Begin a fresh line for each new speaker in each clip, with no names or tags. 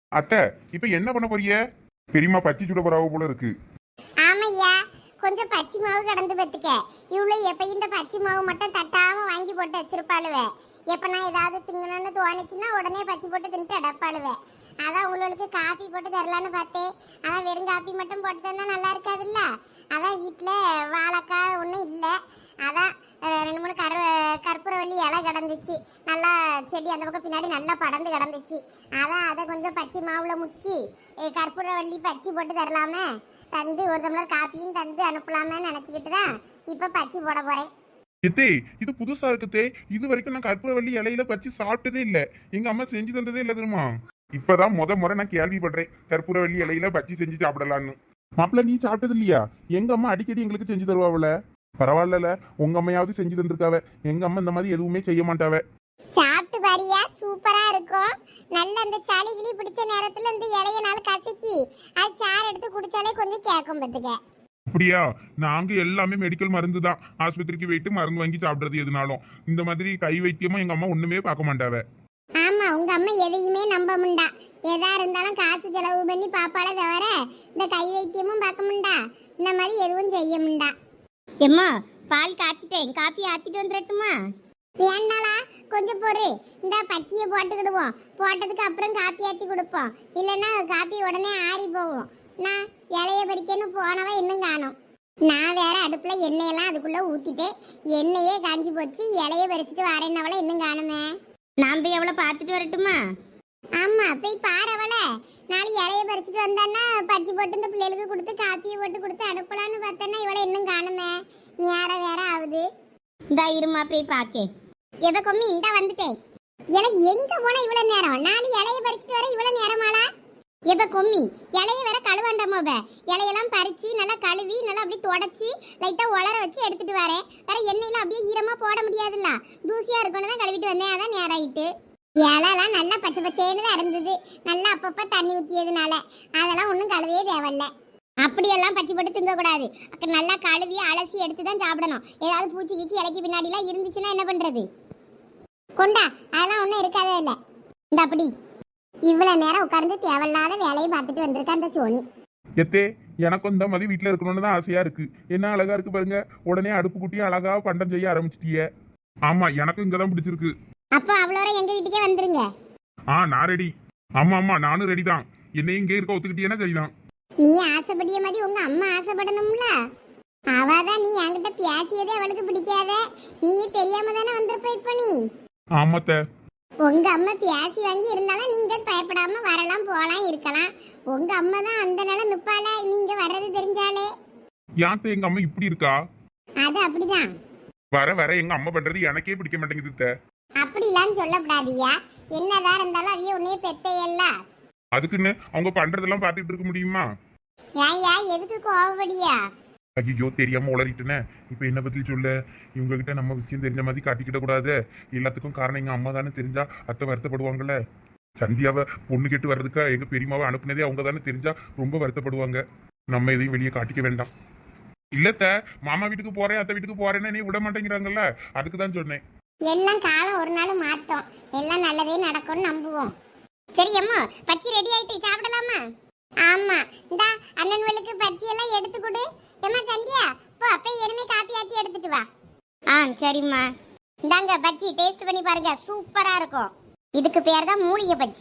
அத்தை, இப்ப என்ன பண்ண போறீங்க? பெரியம்மா பச்சி சுட போறாவ போல இருக்கு.
ஆமையா, கொஞ்சம் பச்சை மாவு கடந்து பத்துக்க. இவ்வளவு எப்ப இந்த பச்சை மாவு மட்டும் தட்டாம வாங்கி போட்டு வச்சிருப்பாளுவே. எப்ப நான் ஏதாவது திங்கணும்னு தோணுச்சுன்னா உடனே பச்சை போட்டு தின்ட்டு அடப்பாளுவே. அதான் உங்களுக்கு காப்பி போட்டு தரலான்னு பார்த்தேன். அதான் வெறும் காப்பி மட்டும் போட்டு தந்தா நல்லா இருக்காதுல்ல. அதான் வீட்டில் வாழைக்காய் ஒன்றும் இல்லை. அதான் 2 3 கற்பூரவள்ளி இலை கிடந்துச்சு. நல்லா செடி அந்த பக்கம் பின்னாடி நல்லா படர்ந்து கிடந்துச்சு. அதான் அதை கொஞ்சம் பச்சை மாவுல முக்கி கற்பூரவள்ளி பச்சை போட்டு தரலாமே, தந்து ஒரு டம்ளர் காப்பியும் தந்து அனுப்பலாமே நினச்சிக்கிட்டு தான் இப்போ பச்சை போட போகிறேன்.
எத்தே, இது புதுசா இருக்குதே. இது வரைக்கும் நான் கற்பூரவள்ளி இலையில பச்சி சாப்பிட்டதே இல்ல. எங்க அம்மா செஞ்சு தந்ததே இல்ல தெரியுமா? இப்பதான் முறை நான் கேள்விப்படுறேன் கற்பூரவள்ளி இலையில பச்சி செஞ்சு சாப்பிடலான்னு. மாப்பிள்ள, நீ சாப்பிட்டது இல்லையா? எங்க அம்மா அடிக்கடி எங்களுக்கு செஞ்சு தருவாவில. பரவாயில்ல, உங்க அம்மையாவது செஞ்சு தந்திருக்காவ. எங்க அம்மா இந்த மாதிரி எதுவுமே செய்ய மாட்டாவ.
சாப்பிட்டு பாரியா, சூப்பரா இருக்கும். நல்ல அந்த சளி கிளி பிடிச்ச நேரத்துல இந்த இலைய நாள் கசக்கி அது சாறு எடுத்து குடிச்சாலே கொஞ்சம் கேட்கும் பத்துக்க.
அப்படியா? நாங்க எல்லாமே மெடிக்கல் மருந்து தான். ஆஸ்பத்திரிக்கு போயிட்டு மருந்து வாங்கி சாப்பிடுறது எதுனாலும். இந்த மாதிரி கை வைத்தியமா எங்க அம்மா ஒண்ணுமே பார்க்க மாட்டாவ.
ஆமா, உங்க அம்மா எதையுமே நம்ப முண்டா. எதா இருந்தாலும் காசு செலவு பண்ணி பாப்பாளே தவிர இந்த கை வைத்தியமும் பார்க்க முண்டா. இந்த மாதிரி எதுவும் செய்ய முண்டா. எம்மா, பால் காய்ச்சிட்டேன், காப்பி ஆத்திட்டு வந்துடட்டுமா? வேண்டாளா, கொஞ்சம் பொறு. இந்த பச்சையை போட்டுக்கிடுவோம். போட்டதுக்கு அப்புறம் காப்பி ஆத்தி கொடுப்போம். இல்லைன்னா காப்பி உடனே ஆறி போவோம். நான் இலைய பறிக்கன்னு போனவ இன்னும் காணும். நான் வேற அடுப்புல எண்ணெயெல்லாம் அதுக்குள்ள ஊத்திட்டேன். எண்ணெயே காஞ்சி போச்சு. இலைய பறிச்சுட்டு வரேன்னவள இன்னும் காணுமே. நான் போய் எவ்வளோ பார்த்துட்டு வரட்டுமா? ஆமா, போய் பாரவள. நாளைக்கு இலைய பறிச்சுட்டு வந்தான்னா பச்சை போட்டு இந்த பிள்ளைகளுக்கு கொடுத்து காப்பியை போட்டு கொடுத்து அனுப்பலான்னு பார்த்தேன்னா இவளை இன்னும் காணுமே. நேரம் வேற ஆகுது. இந்த இருமா போய் பாக்கே. எவ கொம்மி இந்த வந்துட்டேன். எனக்கு எங்க போனா இவ்வளவு நேரம்? நாளைக்கு இலைய பறிச்சுட்டு வர இவ்வளவு நேரமாளா? எவ கொம்மி, இலைய வேற கழுவாண்டாமோவ. இலையெல்லாம் பறிச்சு நல்லா கழுவி நல்லா அப்படியே தொடச்சி லைட்டா உலர வச்சு எடுத்துட்டு வரேன். வேற எண்ணெயில அப்படியே ஈரமா போட முடியாதுல்ல, தூசியா இருக்குன்னு தான் கழுவிட்டு வந்தேன். அதான் நேரம் ஆயிட்டு. இலைலாம் நல்லா பச்சை பச்சைன்னு தான் இருந்தது. நல்லா அப்பப்ப தண்ணி ஊற்றியதுனால அதெல்லாம் ஒன்றும் கழுவே தேவையில்ல. அப்படியெல்லாம் பச்சை போட்டு திங்கக்கூடாது. நல்லா கழுவி அலசி எடுத்து தான் சாப்பிடணும். ஏதாவது பூச்சி கீச்சி இலைக்கு பின்னாடிலாம் இருந்துச்சுன்னா என்ன பண்றது? கொண்டா, அதெல்லாம் ஒன்றும் இருக்காதே இல்லை. இந்த அப்படி இவ்வளோ நேரம் உட்கார்ந்து தேவையில்லாத வேலையை பார்த்துட்டு வந்திருக்கா அந்த சோனி.
எத்தே, எனக்கும் இந்த மாதிரி வீட்டுல இருக்கணும்னு தான் ஆசையா இருக்கு. என்ன அழகா இருக்கு பாருங்க. உடனே அடுப்பு குட்டி அழகா பண்டம் செய்ய ஆரம்பிச்சிட்டிய. ஆமா, எனக்கும் இங்கதான் பிடிச்சிருக்கு.
அப்போ அவ்வளோ எங்க வீட்டுக்கே வந்துருங்க.
நான் ரெடி. ஆமா, நானும் ரெடி தான். என்னையும் இங்கே இருக்க ஒத்துக்கிட்டீங்கன்னா சரிதான்.
நீ ஆசைப்படிய மாதிரி உங்க அம்மா ஆசைப்படணும்ல. அவதான் நீ என்கிட்ட பேசியதே அவளுக்கு பிடிக்காத. நீ தெரியாம தானே வந்திருப்ப. இப்ப நீ
ஆமாத்த,
உங்க அம்மா பேசி வாங்கி இருந்தாலும் நீங்க பயப்படாம வரலாம் போலாம் இருக்கலாம். உங்க அம்மா தான் அந்த நாள நிப்பால. நீங்க வர்றது தெரிஞ்சாலே.
யாத்த எங்க அம்மா இப்படி இருக்கா?
அது அப்படிதான்.
வர எங்க அம்மா பண்றது எனக்கே பிடிக்க மாட்டேங்குது.
அப்படிலாம் சொல்லக்கூடாதியா. என்னதான் இருந்தாலும் அவைய உன்னைய பெத்தையல்ல.
அதுக்குன்னு அவங்க பண்றதெல்லாம் பார்த்துட்டு இருக்க முடியுமா?
ஏயா, எதுக்கு கோவப்படியா?
ஐயோ, தெரியாம உளறிட்டுனே. இப்ப என்ன பத்தி சொல்ல? இவங்க கிட்ட நம்ம விஷயம் தெரிஞ்ச மாதிரி காட்டிக்கிட கூடாது. எல்லாத்துக்கும் காரணம் எங்க அம்மா தானே. தெரிஞ்சா அத்தை வருத்தப்படுவாங்கல்ல. சந்தியாவை பொண்ணு கேட்டு வர்றதுக்கா எங்க பெரியமாவை அனுப்புனதே அவங்க தானே. தெரிஞ்சா ரொம்ப வருத்தப்படுவாங்க. நம்ம எதையும் வெளியே காட்டிக்க வேண்டாம். இல்லத்த, மாமா வீட்டுக்கு போறேன் அத்தை வீட்டுக்கு போறேன்னு நீ விட மாட்டேங்கிறாங்கல்ல, அதுக்கு தான் சொன்னேன்.
எல்லாம் காலம் ஒரு நாள் மாத்தோம். எல்லாம் நல்லதே நடக்கும்னு நம்புவோம். சரி அம்மா, பச்சி ரெடி ஆயிட்டு சாப்பிடலாமா? ஆமா, இந்த அண்ணன்களுக்கு பச்சி எல்லாம் எடுத்து கொடு. ஏமா சந்தியா, போ அப்ப இனிமே காப்பி ஆத்தி எடுத்துட்டு வா. சரிம்மா. இந்தாங்க பச்சி, டேஸ்ட் பண்ணி பாருங்க, சூப்பரா இருக்கும். இதுக்கு பேர் தான் மூலிகை பச்சி.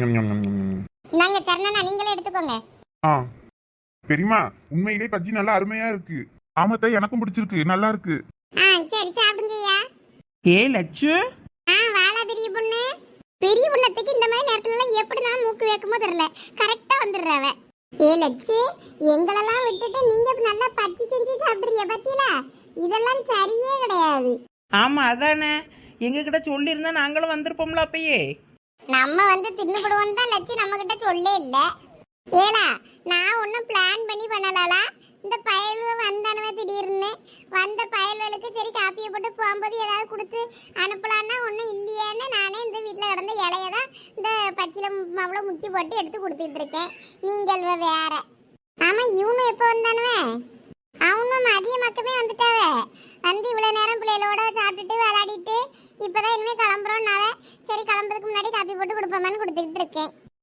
நாங்க சரணா, நீங்களே எடுத்துக்கோங்க.
பெரியமா, உண்மையிலே பஜ்ஜி நல்லா அருமையா இருக்கு. ஆமாத்த, எனக்கும் பிடிச்சிருக்கு, நல்லா இருக்கு.
சரி சாப்பிடுங்கய்யா.
லட்சு,
வாழா பெரிய பொண்ணு. பெரிய பொண்ணத்துக்கு இந்த மாதிரி நேரத்துல எல்லாம் எப்படி நான் மூக்கு வைக்குமோ தெரியல. கரெக்டா வந்துடுறவ. லட்சு, எங்களெல்லாம் விட்டுட்டு நீங்க நல்லா பச்சி செஞ்சு சாப்பிடுறீங்க பத்தியில. இதெல்லாம் சரியே கிடையாது.
ஆமா அதானே, எங்க கிட்ட சொல்லியிருந்தா நாங்களும் வந்திருப்போம்ல அப்பயே.
நம்ம வந்து தின்னுபடுவோம் தான் லட்சு நம்ம கிட்ட சொல்லே இல்ல. ஏலா, நான் ஒன்னும் பிளான் பண்ணி பண்ணலாலா. இந்த பயல்வ வந்தானவ திடீர்னு வந்த பயல்வலுக்கு சரி காப்பியை போட்டு போகும்போது ஏதாவது கொடுத்து அனுப்பலான்னா ஒன்றும் இல்லையேன்னு நானே இந்த வீட்டில் கிடந்த இலைய தான் இந்த பச்சில அவ்வளோ முக்கி போட்டு எடுத்து கொடுத்துட்டு இருக்கேன். நீங்கள் வேற. ஆமாம், இவனும் எப்போ வந்தானுவே? அவனும் மதிய மக்கமே வந்துட்டாவே. வந்து இவ்வளோ நேரம் பிள்ளைகளோட சாப்பிட்டுட்டு விளையாடிட்டு இப்போதான் இனிமேல் கிளம்புறோன்னாவே. சரி, கிளம்புறதுக்கு முன்னாடி காப்பி போட்டு கொடுப்போமான்னு கொடுத்துக்கிட்டு இருக்கேன்.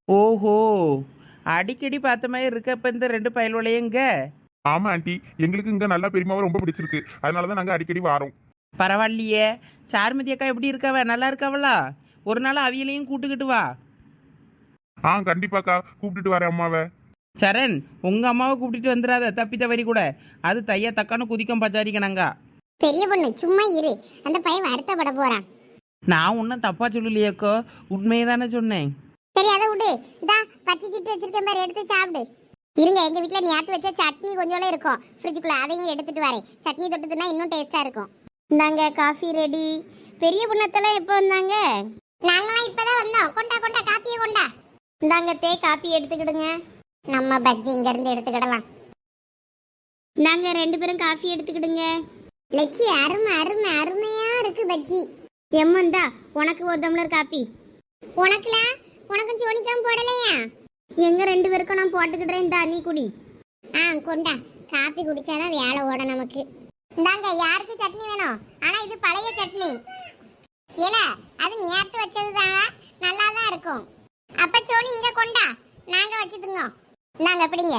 ஓஹோ, அடிக்கடி பார்த்த மாதிரி இருக்க இப்போ இந்த ரெண்டு பயல்வளையங்க.
ஆமா ஆண்டி, எங்களுக்கு இங்க நல்லா பெரியமாவை ரொம்ப பிடிச்சிருக்கு, அதனாலதான் நாங்க அடிக்கடி வாரோம்.
பரவாயில்லையே. சாருமதி அக்கா எப்படி இருக்காவ? நல்லா இருக்காவளா? ஒரு நாள் அவியலையும் கூட்டுக்கிட்டு வா.
கண்டிப்பாக்கா, கூப்பிட்டுட்டு வரேன் அம்மாவை.
சரண், உங்க அம்மாவை கூப்பிட்டுட்டு வந்துடாத தப்பி தவறி கூட. அது தையா தக்கான்னு குதிக்கும் பச்சாரிக்கணங்க.
பெரிய பொண்ணு சும்மா இரு, அந்த பையன் வருத்தப்பட போறான்.
நான் ஒன்றும் தப்பா சொல்லலையேக்கோ, உண்மையை தானே சொன்னேன்.
சரி அதை விடு, இதா பச்சை சுட்டு வச்சிருக்கேன் பாரு, எடுத்து சாப்பிடு. இருங்க, எங்க வீட்ல நேத்து வச்ச சட்னி கொஞ்சோல இருக்கும் ஃப்ரிட்ஜுக்குள்ள, அதையும் எடுத்துட்டு வரேன். சட்னி தொட்டுதுன்னா இன்னும் டேஸ்டா இருக்கும். இந்தாங்க காஃபி ரெடி. பெரிய பொண்ணத்தெல்லாம் எப்போ வந்தாங்க? நாங்களாம் இப்பதான் வந்தோம். கொண்டா கொண்டா காப்பியை கொண்டா. இந்தாங்க தே, காப்பி எடுத்துக்கிடுங்க. நம்ம பஜ்ஜி இங்க இருந்து எடுத்துக்கிடலாம். நாங்க ரெண்டு பேரும் காஃபி எடுத்துக்கிடுங்க. லட்சி, அருமை அருமை அருமையா இருக்கு பஜ்ஜி. எம்மந்தா உனக்கு ஒரு டம்ளர் காப்பி. உனக்குலாம் உனக்கும் சோனிக்காம போடலையா? எங்க ரெண்டு பேருக்கும் நான் போட்டுக்கிடுறேன், இந்தா நீ குடி. கொண்டா, காப்பி குடிச்சாதான் வேலை ஓட நமக்கு. இந்தாங்க, யாருக்கு சட்னி வேணும்? ஆனா இது பழைய சட்னி ஏல, அது நேத்து வச்சதுதான், நல்லா தான் இருக்கும். அப்ப சோனி இங்க கொண்டா, நாங்க வச்சுதுங்க. நாங்க பிடிங்க.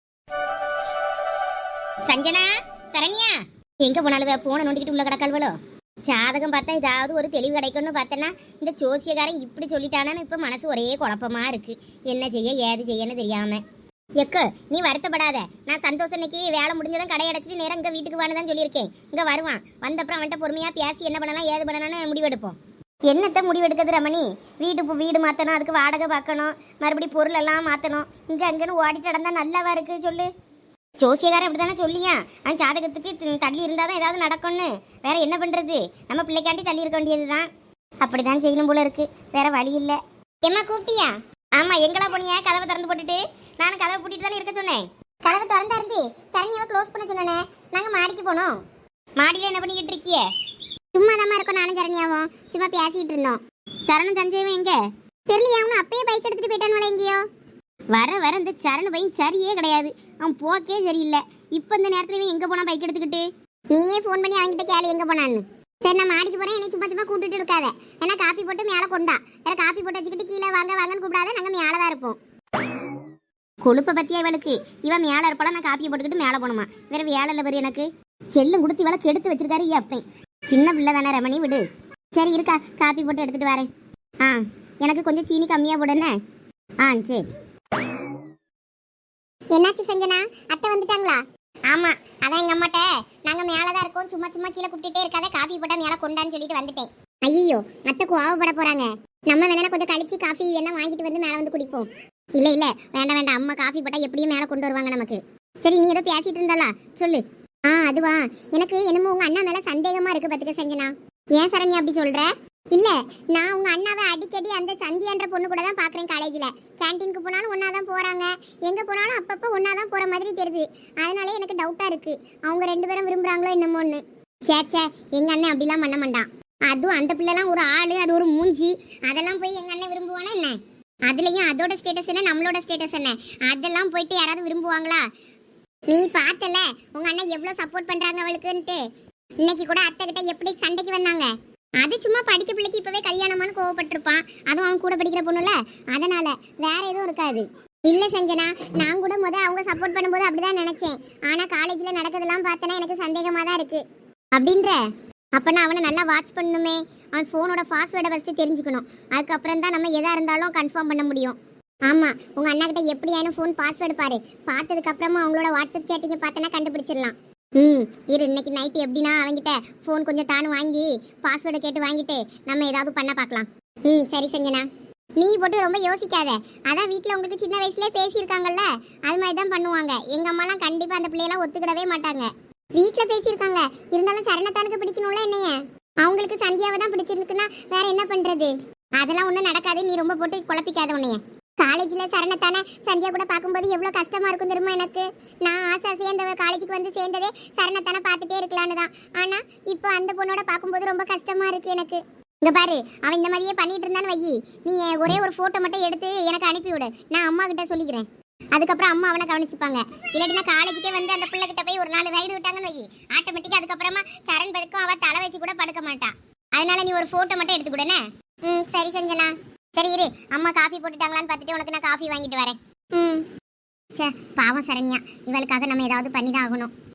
சஞ்சனா, சரண்யா எங்க போனாலும் போன நோண்டிக்கிட்டு உள்ள கிடக்கால்வளோ. ஜாதகம் பார்த்தா ஏதாவது ஒரு தெளிவு கிடைக்கும்னு பார்த்தேன்னா இந்த ஜோசியக்காரன் இப்படி சொல்லிட்டானான்னு இப்போ மனசு ஒரே குழப்பமா இருக்கு. என்ன செய்ய ஏது செய்யன்னு தெரியாம. எக்கு நீ வருத்தப்படாத, நான் சந்தோஷம் இன்னைக்கு வேலை முடிஞ்சதும் கடை அடைச்சிட்டு நேரம் இங்கே வீட்டுக்கு வான்னு சொல்லியிருக்கேன். இங்கே வருவான், வந்தப்புறம் அவன்கிட்ட பொறுமையாக பேசி என்ன பண்ணலாம் ஏது பண்ணலாம்னு முடிவெடுப்போம். என்னத்தை முடிவெடுக்கிறது ரமணி? வீடு மாற்றணும், அதுக்கு வாடகை பார்க்கணும், மறுபடியும் பொருள் எல்லாம் மாற்றணும். இங்கே அங்கேன்னு ஓடிட்டு நடந்தா நல்லாவா இருக்கு சொல்லு? ஜோசியக்காரன் அப்படி தானே சொல்லியா, அவன் ஜாதகத்துக்கு தள்ளி இருந்தால் தான் ஏதாவது நடக்கும்னு. வேற என்ன பண்ணுறது? நம்ம பிள்ளைக்காண்டி தள்ளி இருக்க வேண்டியது தான். அப்படி தான் செய்யணும் போல இருக்கு, வேற வழி இல்லை. என்ன கூப்பிட்டியா? ஆமாம், எங்களா போனியா? கதவை திறந்து போட்டுட்டு. நானும் கதவை பூட்டிட்டு தானே இருக்க சொன்னேன். கதவை திறந்தா இருந்து சரணியாவை க்ளோஸ் பண்ண சொன்னேனே. நாங்கள் மாடிக்கு போனோம். மாடியில் என்ன பண்ணிக்கிட்டு இருக்கிய? சும்மா தான் இருக்கோம், நானும் சரணியாவும் சும்மா பேசிகிட்டு இருந்தோம். சரணம் சஞ்சயவன் எங்க தெரியலையா? அவனு அப்பயே பைக் எடுத்துகிட்டு போயிட்டானுவல எங்கேயோ. வர வர இந்த சரண பையன் சரியே கிடையாது, அவன் போக்கே சரியில்லை. இப்போ இந்த நேரத்துல இவன் எங்கே போனான் பைக் எடுத்துக்கிட்டு? நீயே ஃபோன் பண்ணி அவன்கிட்ட கேளு எங்கே போனான்னு. சரி, நான் மாடிக்கு போகிறேன், என்னை சும்மா சும்மா கூப்பிட்டுட்டு இருக்காத. ஏன்னா காப்பி போட்டு மேலே கொண்டா. வேற காப்பி போட்டு வச்சுக்கிட்டு கீழே வாங்க வாங்கன்னு கூப்பிடாத, நாங்கள் மேலே தான் இருப்போம். கொழுப்பை பற்றியா இவளுக்கு? இவன் மேலே இருப்பாளா, நான் காப்பியை போட்டுக்கிட்டு மேலே போகணுமா? வேற வேலை இல்லை பாரு எனக்கு. செல்லும் கொடுத்து இவளை கெடுத்து வச்சிருக்காரு அப்பன். சின்ன பிள்ளை தானே ரமணி, விடு. சரி இருக்கா, காப்பி போட்டு எடுத்துகிட்டு வரேன். எனக்கு கொஞ்சம் சீனி கம்மியாக போடுன்னு. சரி. என்னாச்சு சஞ்சனா, அத்தை வந்துட்டாங்களா? ஆமா, அதான் எங்க அம்மாட்ட நாங்க மேலதான் இருக்கோம், சும்மா சும்மா கீழே கூப்பிட்டுட்டே இருக்காத, காஃபி போட்டா மேல கொண்டான்னு சொல்லிட்டு வந்துட்டேன். ஐயோ, அத்தை கோவப்பட போறாங்க. நம்ம வேணா கொஞ்சம் கழிச்சு காஃபி வேணா வாங்கிட்டு வந்து மேல வந்து குடிப்போம். இல்ல இல்ல, வேண்டாம் வேண்டாம், அம்மா காஃபி போட்டா எப்படியும் மேல கொண்டு வருவாங்க நமக்கு. சரி, நீ ஏதோ பேசிட்டு இருந்தாலா சொல்லு. அதுவா, எனக்கு என்னமோ உங்க அண்ணா மேல சந்தேகமா இருக்கு பாத்துக்க சஞ்சனா. ஏன் சரண்யா அப்படி சொல்ற? இல்ல, நான் உங்க அண்ணாவை அடிக்கடி அந்த சந்தியான்ற பொண்ணு கூட தான் பாக்குறேன். காலேஜ்ல கேன்டீனுக்கு போனாலும் ஒன்னாதான் போறாங்க, எங்க போனாலும் அப்பப்ப ஒன்னாதான் போற மாதிரி தெரியுது. அதனாலே எனக்கு டவுட்டா இருக்கு, அவங்க ரெண்டு பேரும் விரும்புறாங்களோ என்னமோன்னு. சேச்சே, எங்க அண்ணன் அப்படிலாம் பண்ண மாட்டான். அதுவும் அந்த பிள்ளைலாம் ஒரு ஆளு, அது ஒரு மூஞ்சி, அதெல்லாம் போய் எங்க அண்ணன் விரும்புவானா என்ன? அதுலயும் அதோட ஸ்டேட்டஸ் என்ன, நம்மளோட ஸ்டேட்டஸ் என்ன, அதெல்லாம் போயிட்டு யாராவது விரும்புவாங்களா? நீ பார்த்தல உங்க அண்ணன் எவ்வளவு சப்போர்ட் பண்றாங்க அவளுக்குன்ட்டு. இன்னைக்கு கூட அத்தை கிட்ட எப்படி சண்டைக்கு வந்தாங்க. அது சும்மா படிக்க பிள்ளைக்கு இப்பவே கல்யாணமானு கோவப்பட்டிருப்பான், அதுவும் அவன் கூட படிக்கிற பொண்ணுல, அதனால வேற எதுவும் இருக்காது. இல்ல சஞ்சனா, நான் கூட அவங்க சப்போர்ட் பண்ணும்போது அப்படிதான் நினைச்சேன். ஆனா காலேஜ்ல நடக்கிறதெல்லாம் பார்த்தனா எனக்கு சந்தேகமா தான் இருக்கு. அப்படின்ற அப்பனா அவனை நல்லா வாட்ச் பண்ணணுமே. அவன் போனோட பாஸ்வேர்டை ஃபர்ஸ்ட் தெரிஞ்சுக்கணும், அதுக்கப்புறம் தான் நம்ம எதா இருந்தாலும் கன்ஃபார்ம் பண்ண முடியும். ஆமா, உங்க அண்ணா கிட்ட எப்படியான ஃபோன் பாஸ்வேர்டு பாரு, பார்த்ததுக்கு அப்புறமா அவங்களோட வாட்ஸ்அப் சேட்டிங்க பார்த்தனா கண்டுபிடிச்சிடலாம். இரு, இன்னைக்கு நைட்டு எப்படின்னா அவங்கிட்ட ஃபோன் கொஞ்சம் தானு வாங்கி பாஸ்வேர்டை கேட்டு வாங்கிட்டு நம்ம ஏதாவது பண்ண பார்க்கலாம். சரி சஞ்சனா, நீ போட்டு ரொம்ப யோசிக்காத. அதான் வீட்டில் உங்களுக்கு சின்ன வயசுலேயே பேசியிருக்காங்கல்ல, அது மாதிரி தான் பண்ணுவாங்க. எங்கள் அம்மாலாம் கண்டிப்பாக அந்த பிள்ளையெல்லாம் ஒத்துக்கிடவே மாட்டாங்க. வீட்டில் பேசியிருக்காங்க, இருந்தாலும் சரணத்தானுக்கு பிடிக்கணும்ல என்னைய. அவங்களுக்கு சந்தியாவை தான் பிடிச்சிருக்குன்னா வேற என்ன பண்ணுறது? அதெல்லாம் ஒன்றும் நடக்காது, நீ ரொம்ப போட்டு குழப்பிக்காத உன்னைய. காலேஜ்ல சரணத்தானே சந்தியா கூட பார்க்கும்போது எவ்வளவு கஷ்டமா இருக்கும் தெரியுமா எனக்கு. நான் ஆசையா அந்த காலேஜுக்கு வந்து சேர்ந்ததே சரணத்தானே பார்த்துட்டே இருக்கலான்னு தான். ஆனா இப்போ அந்த பொண்ணோட பார்க்கும்போது ரொம்ப கஷ்டமா இருக்கு எனக்கு. இங்க பாரு, அவன் இந்த மாதிரியே பண்ணிட்டு இருந்தான்னு வையி, நீ ஒரே ஒரு போட்டோ மட்டும் எடுத்து எனக்கு அனுப்பி விடு, நான் அம்மா கிட்ட சொல்லிக்கிறேன். அதுக்கப்புறம் அம்மா அவனை கவனிச்சுப்பாங்க. இல்லாட்டினா காலேஜுக்கே வந்து அந்த பிள்ளை கிட்ட போய் ஒரு 4 ரைடு விட்டாங்கன்னு வையி, ஆட்டோமேட்டிக்கா அதுக்கப்புறமா சரண் பதுக்கும் அவ தலை வச்சு கூட படுக்க மாட்டான். அதனால நீ ஒரு போட்டோ மட்டும் எடுத்துக்கூடனே. சரி சஞ்சனா. சரி இரு, அம்மா காஃபி போட்டுட்டாங்களான்னு பார்த்துட்டு உனக்கு நான் காஃபி வாங்கிட்டு வரேன். ம். சே பாவம் சரண்யா, இவளுக்காக நம்ம ஏதாவது பண்ணி தான் ஆகணும்.